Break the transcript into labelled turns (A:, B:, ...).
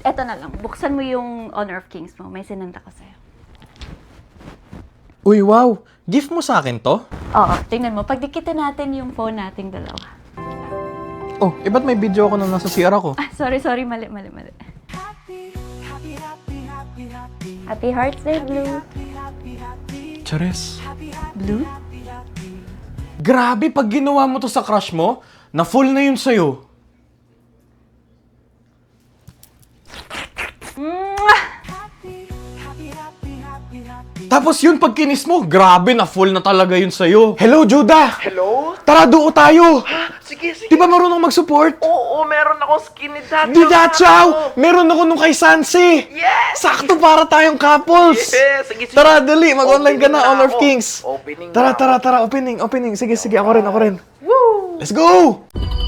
A: Eto na lang, buksan mo yung Honor of Kings mo. May sinanda ko sa'yo.
B: Uy, wow! Gift mo sa akin to?
A: Oo, tingnan mo. Pagdikitin natin yung phone nating dalawa.
B: Oh, ba't may video ako na nasa CR ako?
A: Ah, sorry. Mali. Happy Hearts Day, Blue.
B: Chares.
A: Blue?
B: Grabe, pag ginawa mo to sa crush mo, na full na yun sa'yo. Tapos yun, pag kinis mo, grabe, na full na talaga yun sa'yo. Hello, Judah!
C: Hello?
B: Tara, duo tayo!
C: Sige.
B: Di ba marunong mag-support?
C: Oo, meron akong skinny dachaw.
B: Di dachaw! Meron ako nung kay Sansi!
C: Yes!
B: Sakto para tayong couples!
C: Yes! Sige.
B: Tara, dali! Mag-online ka
C: Opening
B: na, Honor of
C: ako.
B: Kings!
C: Opening
B: Tara,
C: na ako.
B: opening. Sige, ako rin.
C: Woo!
B: Let's go!